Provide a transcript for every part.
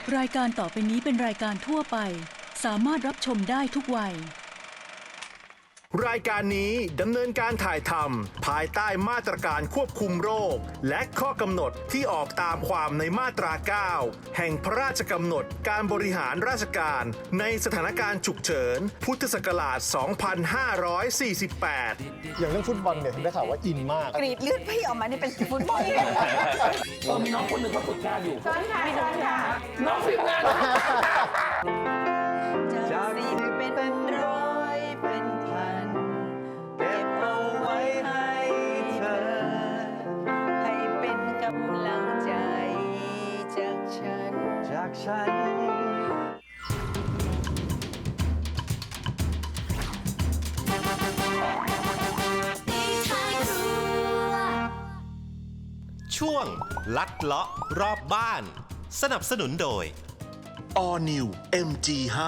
รายการต่อไปนี้เป็นรายการทั่วไปสามารถรับชมได้ทุกวัยรายการนี้ดำเนินการถ่ายทำภายใต้มาตรการควบคุมโรคและข้อกำหนดที่ออกตามความในมาตรา 9 แห่งพระราชกำหนดการบริหารราชการในสถานการณ์ฉุกเฉินพุทธศักราช 2548 อย่างเรื่องฟุตบอลเนี่ยเห็นได้ข่าวว่าอินมากกรีดเลือดพี่ออกมานี่เป็นฟุตบอลมีน้องคนหนึ่งเขาฝึกงานอยู่เชิญค่ะเชิญค่ะน้องฝึกงานจะรีบเป็นร้อยเป็นพันเก็บเอาไว้ให้เธอให้เป็นกำลังใจจากฉันช่วงลัดเลาะรอบบ้าน สนับสนุนโดย All New MG5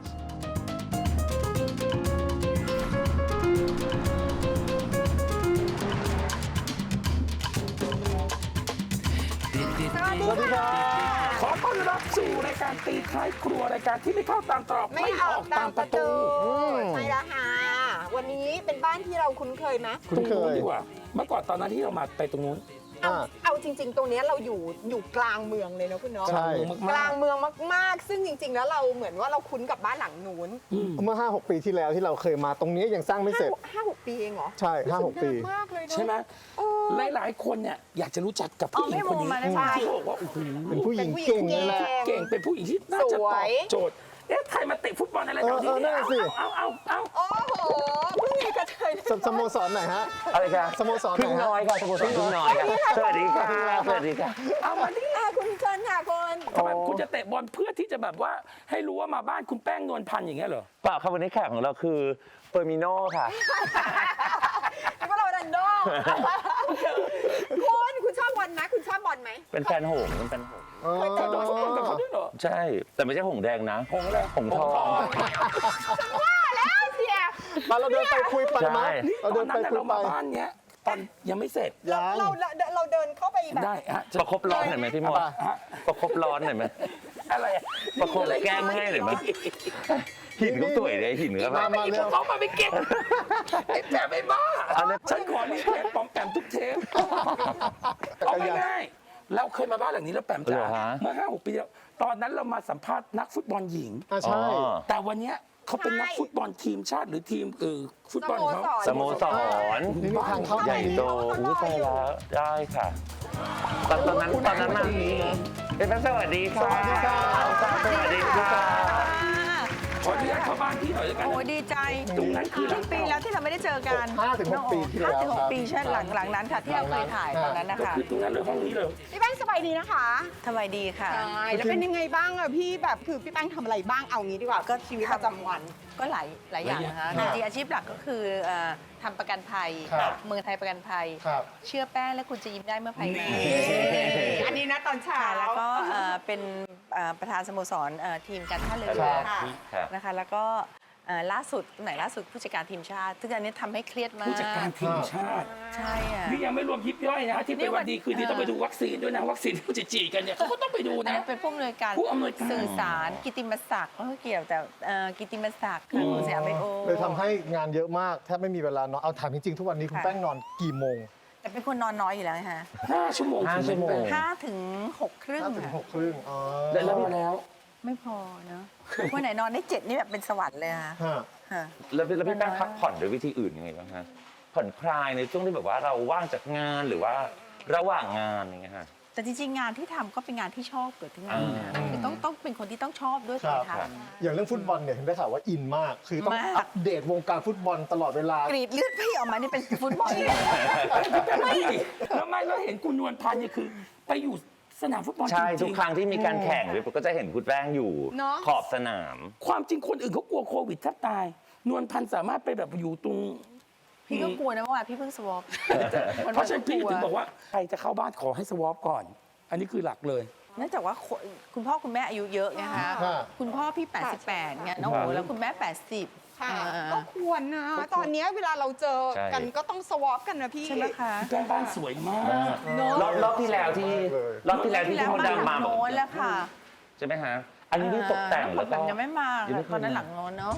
สวัสดีครับขอต้อนรับสู่รายการตีท้ายครัวรายการที่ไม่เข้าตามตรอกไม่ออกตามประตูใช่แล้วค่ะวันนี้เป็นบ้านที่เราคุ้นเคยไหมตรงนู้นดีกว่าเมื่อก่อนตอนนั้นที่เรามาไปตรงนู้นเอาจริง ๆ ตรงนี้เราอยู่กลางเมืองเลยนะคุณเนาะใช่กลางเมืองมากๆซึ่งจริง ๆ แล้วเราเหมือนว่าเราคุ้นกับบ้านหลังนู้นเมื่อ 5-6 ปีที่แล้วที่เราเคยมาตรงนี้ยังสร้างไม่เสร็จ 5-6 ปีเองเหรอใช่ 5-6 ปีนานมากเลยเนอะใช่ไหมหลายๆคนเนี่ยอยากจะรู้จักกับผู้หญิงคนนี้ที่บอกว่าโอ้โหเป็นผู้หญิงเก่งเลยแหละเก่งเป็นผู้หญิงที่น่าจะตอบโจทย์ใครมาเตะฟุตบอลอะไรแถวนี้นั่นสิเอาโอ้โหเพิ่งมีกระเทยสโมสรไหนฮะอะไรครับสโมสรไหนพึ่งฮะน้อยครับสโมสรพึ่งน้อยครับสวัสดีครับสวัสดีครับเอามาดิคุณเชิญค่ะคุณทำไมคุณจะเตะบอลเพื่อที่จะแบบว่าให้รู้ว่ามาบ้านคุณแป้งนวลพันธ์อย่างเงี้ยเหรอเปล่าครับวันนี้แขกของเราคือเฟอร์มิโน่ค่ะนี่ก็โรนัลโดคุณชอบบอลไหมคุณชอบบอลไหมเป็นแฟนหงส์เป็นแฟนหงส์เคยเตะบอลฟุตบอลกับเขาด้วยเหรอใช่ แต่ไม่ใช่หงส์แดงนะหงอะไรหงส์ทองว่าแล้วเสียมาเราเดินไปคุยไปไหมใช่นี่เราตเดิอนนนั้ไปนน่ะคุยเราไปมาบ้านเนี้ยตอนยังไม่เสร็จยังเราเดินเข้าไปแบบได้ฮะประคบร้อนหน่อยไหมพี่มดฮะประคบร้อนหน่อยไหมอะไรอประคบแก้มให้หน่อยไหมหินก็สวยเลยหินก็แบบไม่มีพวกเขามาไม่เก็บไอ้แปมไอ้บ้าเอาเลยฉันขอรีเควสปอมแปมทุกเทปเอาง่ายๆเราเคยมาบ้านหลังนี้แล้วแปมจ๋าเมื่อ 5-6 ปีแล้วตอนนั้นเรามาสัมภาษณ์นักฟุตบอลหญิงใช่แต่วันเนี้ยเขาเป็นนักฟุตบอลทีมชาติหรือทีมฟุตบอลของเขาสโมสรนี่มีทางเข้าใหญ่โตอุ้ยตายแล้วได้ค่ะ ตอนนั้นมาเป็นสวัสดีค่ะสวัสดีค่ะสวัสดีค่ะขออนุญาตเข้าบ้านพี่หน่อยแล้วกันโอ้ดีใจตรงนั้นคือหลักี่งปีแล้วที่เราไม่ได้เจอกัน 5-6 ปีที่แล้วครับ 5-6 ปีใช่หลังนั้นค่ะที่เราเคยถ่ายตอนนั้นนะก็คะคือตรงนั้นเลยห้องนี้เลยพี่แป้งสบายดีนะคะสบายดีค่ะใช่แล้วเป็นยังไงบ้างอะพี่แบบคือพี่แป้งทำอะไรบ้างเอางี้ดีกว่าก็ชีวิตประจำวันก็หลายอย่างนะคะจริงๆอาชีพหลักก็คือทำประกันภัยครับเมืองไทยประกันภัยครับเชื่อแป้งและคุณจะยิ้มได้เมื่อภัยมาอันนี้นะตอนเช้าค่ะแล้วก็เป็นประธานสโมสรทีมการท่าเรือครับครับนะคะแล้วก็ล่าสุดไหนล่าสุดผู้จัดการทีมชาติซึ่งอันนี้ทำให้เครียดมากผู้จัดการทีมชาติใช่อะนี่ยังไม่รวมยิบย่อยนะที่เป็นวันดีคืนดีต้องไปดูวัคซีนด้วยนะวัคซีนที่เขาจะฉีดกันเนี่ยเขาก็ต้องไปดูอันนะนั้นเป็นผู้อำนวยการผู้อำนวยการสื่อสารกิตติมศักดิ์ก็เกี่ยวแต่กิตติมศักดิ์ค่ะของสยามไบโอเลยทำให้งานเยอะมากแทบไม่มีเวลานอนเอาถามจริงๆทุกวันนี้คุณแป้งนอนกี่โมงแต่เป็นคนนอนน้อยอยู่แล้วนะคะ 5 ชั่วโมง 5 ชั่วโมง 5 ถึง 6 ครึ่ง 5-6 ครึ่งอ๋อแล้วไม่พอเนอะวันไหนนอนได้ 7 นี่แบบเป็นสวรรค์เลยค่ะฮะค่ะแล้วพี่แป้งพักผ่อนด้วยวิธีอื่นยังไงบ้างฮะผ่อนคลายในช่วงที่แบบว่าเราว่างจากงานหรือว่าระหว่างงานอย่างเงี้ยฮะแต่จริงๆ งานที่ทำก็เป็นงานที่ชอบเกิดที่งานนะอ่าคือต้องเป็นคนที่ต้องชอบด้วยครัถึบงทำอย่างเรื่องฟุตบอลเนี่ยเห็นได้ข่าวว่าอินมาก คือต้องมากอัปเดตวงการฟุตบอลตลอดเวลากรีดเลือดพี่ออกมานี่เป็นฟุตบอลไม่แล้วไม่แล้วเห็นคุณนวลพันธ์เนี่ยคือไปอยู่สนามฟุตบอลใช่จทุริกงครั้งที่มีการแข่งก็จะเห็นคุณแป้งอยู่เนอะขอบสนามๆความจริงคนอื่นเขากลัวโควิดแทบตาย นวลพันธ์สามารถไปแบบอยู่ตรงพี่ก็กลัวนะเมื่อวานพี่เพิ่งสวอปเพราะฉะนั้นพี่ถึงบอกว่าใครจะเข้าบ้านขอให้สวอปก่อน อันนี้คือหลักเลยเนื่องจากว่าคุณพ่อคุณแม่อายุเยอะไงคะค่ะคุณพ่อพี่ 88ไงน้องโอ้แล้วคุณแม่ 80 ค่ะอ่าก็ควรนะ ตอนเนี้ยเวลาเราเจอใช่กันก็ต้องสวอปกันนะพี่ใช่ไหมคะแป้งบ้านสวยมากเนอะรอบที่แล้วที่เลยรอบที่แล้วที่พี่มดดำมาโน้นแล้วค่ะใช่ไหมฮะอันนี้ที่ตกแต่งแล้วก็ยังไม่มายังไม่ค่ะเคยตอนนั้นมาหลังโน้นเนาะ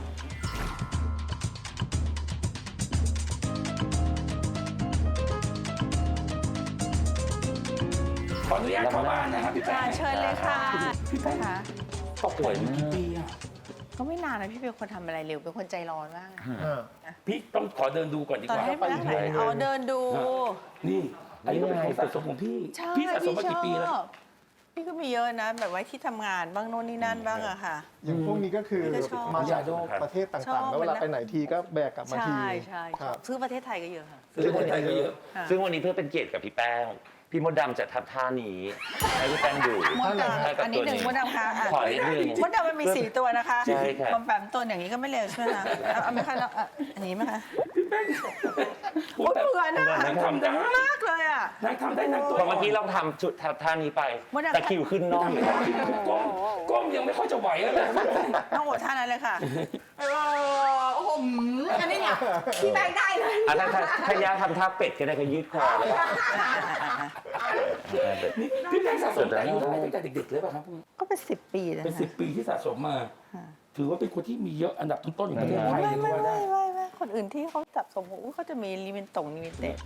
ขออนุญาตเข้าบ้านนะครับพี่แป้งเชิญเลยค่ะพี่แป้งค่ะตกแต่งกี่ปีอะก็ไม่นานนะพี่เป็นคนทำอะไรเร็วเป็นคนใจร้อนมากพี่ต้องขอเดินดูก่อนดีตอนกว่าให้ไปนั่งไหนอ๋อเดินดูนี่อันนี้ก็เป็นของสะสมของพี่ใช่พี่สะสมมากี่ปีแล้วชอบพี่ก็มีเยอะนะ แบบไว้ที่ทำงานบ้างโน่นนี่นั่นบ้างอะค่ะอย่างพวกนี้ก็คือพี่ก็ชอบมาจากครับประเทศชอต่าบงๆ แล้วเวลาไปไหนทีก็แบกกลับมาทีใช่ใช่ครับซื้อประเทศไทยก็เยอะค่ะซื้อคนไทยก็เยอะซึ่งวันนี้เพื่อเป็นเกียรติกับพี่แป้ง พี่มดดำจะทำท่านี้ให้พี่แป้งดูมดดให้กับำอันนี้ตัวหนึ่งมดดำค่ะอ่ะขอนิดนึงมดดำมันมี4 ตัวนะคะใช่ครับปอมแปมตัวอย่างนี้ก็ไม่เร็วใช่ไหมคะเอาไหมคะแล้วอันนี้ไหมคะพี่แป้งโอ้ยเบื่อนะนางทำได้มากเลยอ่ะนางทำได้นางตัวพอเมื่อกี้เราทำชุดท่านี้ไปมดดำตะคริวขึ้นน่องทำไม่ได้ก้มยังไม่ค่อยจะไหวแล้วเลยต้องอดท่านั้นเลยค่ะโอ้โหอันนี้เนี่ยพี่แบงค์ได้เลยอ่ะถ้ายาทำท่าเป็ดก็ได้ก็ยืดคอเลยนี่พี่แป้งสะสมแต่อายุเท่าไหร่ตั้งแต่เด็กๆเลยป่ะครับก็เป็น10 ปีแล้วเป็นนะ 10 ปีที่สะสมมา ถือว่าเป็นคนที่มีเยอะอันดับต้นๆของประเทศไทยไม่เลยก็ว่าได้ไม่คนอื่นที่เขาจับสมมุติเขาจะมีลิมิเต็ด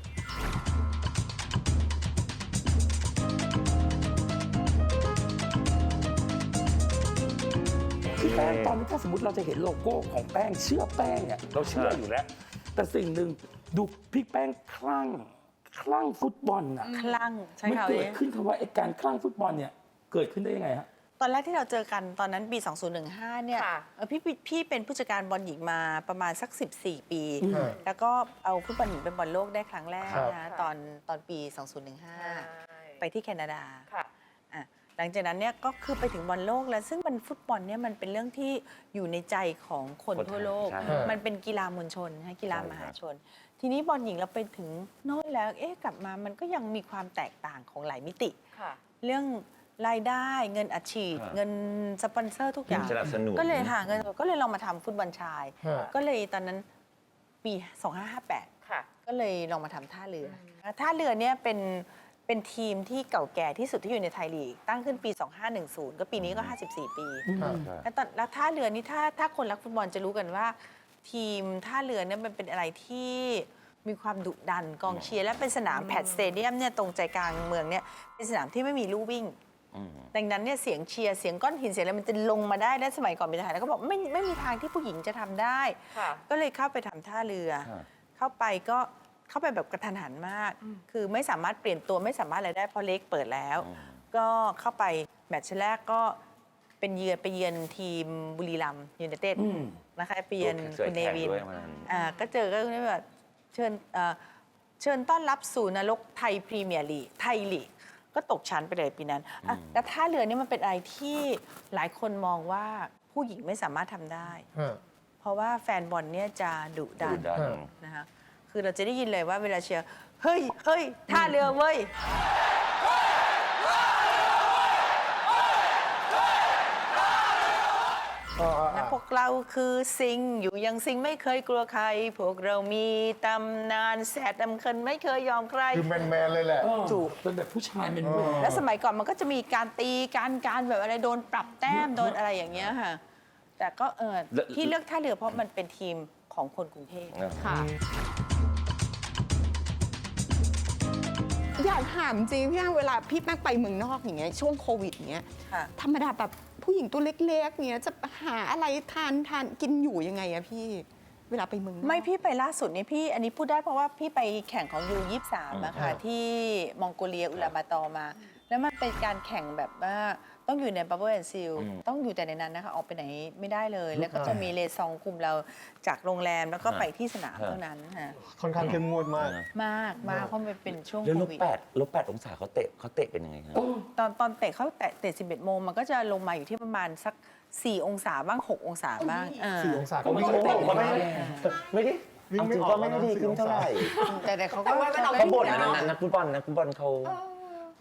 คือแป้งตอนนี้ถ้าสมมติเราจะเห็นโลโก้ของแป้งเชื่อแป้งเนี่ยเราเชื่ออยู่แล้ว แต่สิ่งหนึ่งดูพี่แป้งคลั่งฟุตบอลน่ะคลั่งใช่มันค่ะเกิดขึ้นคำว่าไอ้การคลั่งฟุตบอลเนี่ยเกิดขึ้นได้ยังไงฮะตอนแรกที่เราเจอกันตอนนั้นปี 2015 เนี่ยค่ะพี่เป็นผู้จัดการบอลหญิงมาประมาณสัก 14 ปีครับแล้วก็เอาฟุตบอลหญิงเป็นบอลโลกได้ครั้งแรกครับนะตอนปี 2015 ไปที่แคนาดาค่ะอ่ะหลังจากนั้นเนี่ยก็คือไปถึงบอลโลกแล้วซึ่งมันฟุตบอลเนี่ยมันเป็นเรื่องที่อยู่ในใจของคนทั่วโลกใช่มันเป็นกีฬามวลชนนะกีฬามหาชน ทีนี้บอลหญิงเราไปถึงโน่นแล้วกลับมามันก็ยังมีความแตกต่างของหลายมิติค่ะเรื่องรายได้เงินอัดฉีดครับเงินสปอนเซอร์ทุกอย่างสนับสนุนก็เลยหาเงินก็เลยลองมาทำฟุตบอลชายฮะก็เลยตอนนั้นปี 2558 ค่ะก็เลยลองมาทำท่าเรืออท่าเรือเนี่ยเป็นทีมที่เก่าแก่ที่สุดที่อยู่ในไทยลีก ตั้งขึ้นปี 2510 ก็ปีนี้ก็ 54 ปีครับแล้วท่าเรือนี่ถ้าคนรักฟุตบอลจะรู้กันว่า ทีมท่าเรือเนี่ยมันเป็นอะไรที่มีความดุดันกองเชียร์และเป็นสนามแพดสเตเดียมเนี่ยตรงใจกลางเมืองเนี่ยเป็นสนามที่ไม่มีลู่วิ่ง ดังนั้นเนี่ยเสียงเชียร์เสียงก้อนหินเสียงอะไรมันจะลงมาได้และสมัยก่อนเป็นทหารแล้วก็บอกไม่มีทางที่ผู้หญิงจะทำได้ค่ะก็เลยเข้าไปทำท่าเรือครับเข้าไปแบบกระทันหันมาก คือไม่สามารถเปลี่ยนตัวไม่สามารถอะไรได้เพราะเล็กเปิดแล้ว ก็เข้าไปแมตช์แรกก็ไปเยือนทีมบุรีรัมย์ยูไนเต็ดนะคะไปเยือนเคยคุณเนแข่งวินด้วยวันนั้นก็เจอก็แบบเชิญต้อนรับสู่นรกไทยพรีเมียร์ลีกไทยลีกก็ตกชั้นไปเลยปีนั้นแล้วท่าเรือนี่มันเป็นอะไรที่หลายคนมองว่าผู้หญิงไม่สามารถทำได้ฮะเพราะว่าแฟนบอลเนี่ยจะดุดันดุดันนะคะคือเราจะได้ยินเลยว่าเวลาเชียร์เฮ้ยท่าเรือเว้ยและพวกเราคือซิงอยู่ยังซิงไม่เคยกลัวใคร พวกเรามีตำนานแสดดำเคินไม่เคยยอมใครคือแมนๆเลยแหละถูกเป็นแบบผู้ชายเป็นแมนแล้วสมัยก่อนมันก็จะมีการตีการแบบอะไรโดนปรับแต้มโดนอะไรอย่างเงี้ยค่ะ แต่ก็ที่เลือกท่าเรือเพราะมันเป็นทีมของคนกรุงเทพค่ะ อยากถามจริงพี่แป้งเวลาพี่แป้งไปเมืองนอกอย่างเงี้ยช่วงโควิดอย่างเงี้ยค่ะธรรมดาแบบผู้หญิงตัวเล็กๆเงี้ยจะหาอะไรทานกินอยู่ยังไงอะพี่ เวลาไปเมืองนอกไม่พี่ไปล่าสุดนี่พี่อันนี้พูดได้เพราะว่าพี่ไปแข่งของU23นะคะที่มองโกเลียอุลาบาตอร์มา แล้วมันเป็นการแข่งแบบว่าต้องอยู่ในบับเบิ้ลแอนด์ซีลต้องอยู่แต่ในนั้นนะคะออกไปไหนไม่ได้เลย แล้วก็จะมีเลซองคุมเราจากโรงแรมแล้วก็ไปที่สนามเท่านั้นค่ะค่อนข้างเข้มงวดมากมากเพราะมันเป็นช่วงแล้วโคลบวิด 8องศาเขาเตะเป็นยังไงครับตอนเตะเขาเตะ11 โมงมันก็จะลงมาอยู่ที่ประมาณสัก4 องศาบ้าง6 องศาบ้าง 4 องศาก็ไม่วิ่งได้ไม่ออกก็ไม่ได้ไม่ได้วิ่งเอาไม่จริงออกก็ไม่ได้ดีขึ้นเท่าไหร่แต่เขาก็แต่ว่าไม่ต้องเขาบ่นนะนักฟุตบอลเขา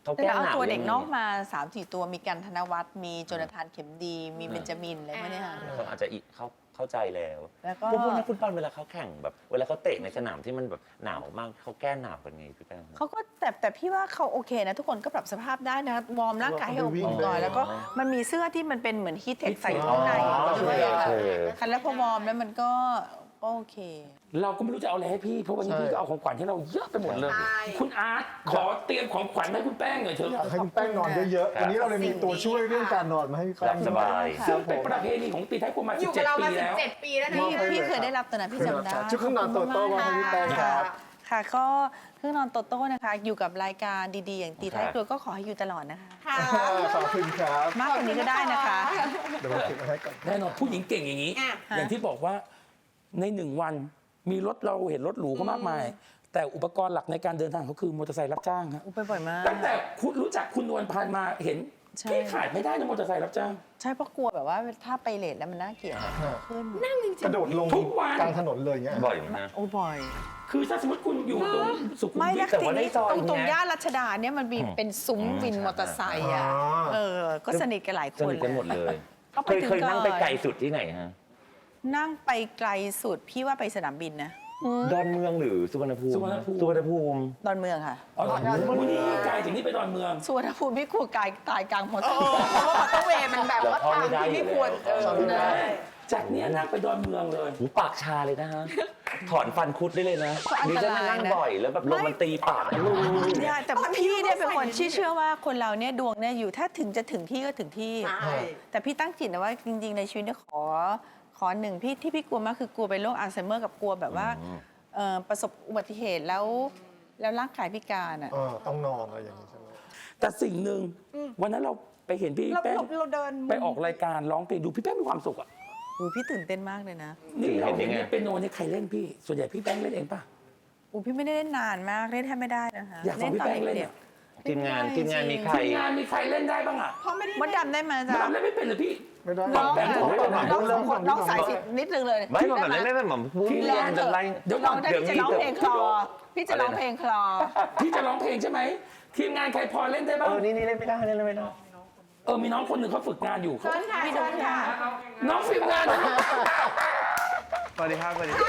เขาแต่แก้เราหเอานาวตัวเด็กยังไงนอกมา 3-4 ตัวมีกันธนวัฒน์มีโจนาธานเข็มดี มีเบนจามินอะไรพวกเนี้ยค่ะเขาอาจจะเข้าใจแล้วแล้วก็พวกนักฟุตบอลเวลาเขาแข่งแบบ เวลาเขาเตะในสนามที่มันแบบหนาวมากเขาแก้หนาวกันไงพี่แป้งเขาก็แต่พี่ว่าเขาโอเคนะ ทุกคนก็ปรับสภาพได้นะวอร์มร่างกายให้อบอุ่นก่อนแล้วก็มันมีเสื้อที่มันเป็นเหมือนฮีทเทคใส่ข้างในด้วยอะค่ะคันแล้วพอวอร์มแล้วมันก็โอเคเราก็ไม่รู้จะเอาอะไรให้พี่เพราะวันนี้พี่ก็เอาของขวัญให้เราเยอะไปหมดเลย คุณอาร์ตขอเตรียมของขวัญให้คุณแป้งหน่อยเถอยากอะให้คุณแป้งนอนเยอะๆวันนี้เราเลยมีตัวช่วยเรื่องการนอนมาให้พี่หแป้ลังบสบายซึ่งเป็นประเพณีของตีไทยครัวมาอยู่กับเรา 17 มาปีแล้ว 17 ปีแล้วนะพี่เคยได้รับตัวนั้นพี่จำได้ชุดเครื่องนอนโตโต้มาให้พี่แป้งครับค่ะก็เครื่องนอนโตโต้นะคะ อยู่กับรายการดีๆ อย่างตีท้ายครัวก็ขอให้อยู่ตลอดนะคะขอบคุณครับมากกว่านี้ก็ได้นะคะเดี๋ยวผมเก็บมาให้ก่อนแน่นอนผู้หญิงเก่งอย่างนี้ อย่างที่บอกว่าใน1 วันมีรถเราเห็นรถหรูเขามากมาย แต่อุปกรณ์หลักในการเดินทางเขาคือมอเตอร์ไซค์รับจ้างครับไปบ่อยมากตั้งแต่คุณรู้จักคุณนวลพันธ์มาเห็นใช่พี่ขาดไม่ได้นะมอเตอร์ไซค์รับจ้างใช่เพราะกลัวแบบว่าถ้าไปเลทแล้วมันน่าเกลียดขึ้นกระโดดลงทุกวันกลางถนนเลยเงี้ยบ่อยมากโอ้บ่อยคือถ้าสมมติคุณอยู่ตรงสุขุมไม่วิแล้ทวแต่ทีว่าได้นี้ซอยตรงเนี้ยย่านรัชดาเนี่ยมันมีเป็นซุ้มวินมอเตอร์ไซค์อ่ะอ๋อก็สนิทกันหลายคสนนิทกันหมดเลยก็ไปถึงเคยนั่งไปก่อนไกลสุดที่ไหนฮะนั่งไปไกลสุดพี่ว่าไปสนามบินนะดอนเมืองหรือสุวรรณภูมิสุวรรณภูมิสุวรรณภูมิดอนเมืองค่ะอ๋อวันนี้ไกลจากนี้ไปดอนเมืองสุวรรณภูมิพี่กลัวตายกลางมอเตอร์เพราะว่ามอเตอร์เวย์มันแบบว่าทางที่ไม่ควรจากเนี้ยนั่งไปดอนเมืองเลยหูปากชาเลยนะฮะ ถอนฟันคุดได้เลยนะดิฉันนั่งบ่อยแล้วแบบลมมันตีปากใช่แต่พี่เนี่ยเป็นคนที่เชื่อว่าคนเราเนี่ยดวงเนี่ยอยู่ถ้าถึงจะถึงที่ก็ถึงที่ แต่พี่ตั้งจิตนะว่าจริงๆในชีวิตเนี่ยขอหนึ่งพี่ที่พี่กลัวมากคือกลัวเป็นโรคอัลไซเมอร์กับกลัวแบบว่าประสบอุบัติเหตุแล้วร่างกายพิการอ่ะต้องนอนอะไรอย่างนี้ใช่ไหมแต่สิ่งหนึ่งวันนั้นเราไปเห็นพี่เราแป้งเดินไปออกรายการร้องเพลงดูพี่แป้งมีความสุขอ่ะอูพี่ตื่นเต้นมากเลยนะนี่เราเห็นเห็นยังไงเปียโนนี่ใครเล่นพี่ ส่วนใหญ่พี่แป้งเล่นเองป่ะอูพี่ไม่ได้เล่นนานมากเล่นแทบไม่ได้นะคะอยากฟังพี่แป้งเล่นด็อ่ะกทีมงานมีใครทีมงานมีใครเล่นได้บ้างอ่ะเพราะไม่ได้ๆมดดำได้ไหมมาจ๊ะดามเล่นไม่เป็นเหรือพี่ไม่ได้น้องแบบน้องสายสิบนิดนึงเลยไม่แบบไม่แบบผมพูดพี่เรียนจะไรเดี๋ยวลองได้พี่จะร้องเพลงคลอพี่จะร้องเพลงคลอพี่จะร้องเพลงใช่ไหมทีมงานใครพอเล่นได้บ้างนี่เล่นไม่ได้เล่นไม่ได้มีน้องคนหนึ่งเขาฝึกงานอยู่เขาพี่ดูค่ะน้องฝึกงานสวัสดีครับ สวัสดี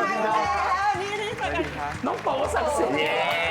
น้องโป๋ศักดิ์สิทธิ์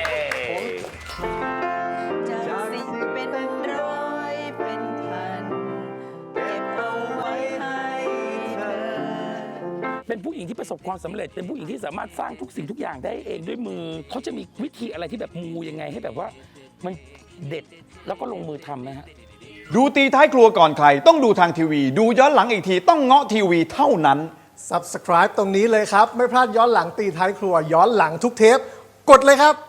จากสิ่งเป็นร้อยเป็นพันเก็บเอาไว้ให้เธอเป็นผู้หญิงที่ประสบความสำเร็จ เป็นผู้หญิงที่สามารถสร้างทุกสิ่งทุกอย่างได้เองด้วยมือ เขาจะมีวิธีอะไรที่แบบมูยังไงให้แบบว่ามันเด็ดแล้วก็ลงมือทำไหมฮะดูตีท้ายครัวก่อนใคร ต้องดูทางทีวี ดูย้อนหลังอีกทีต้องเงาะทีวีเท่านั้น Subscribe ตรงนี้เลยครับ ไม่พลาดย้อนหลังตีท้ายครัวย้อนหลังทุกเทป กดเลยครับ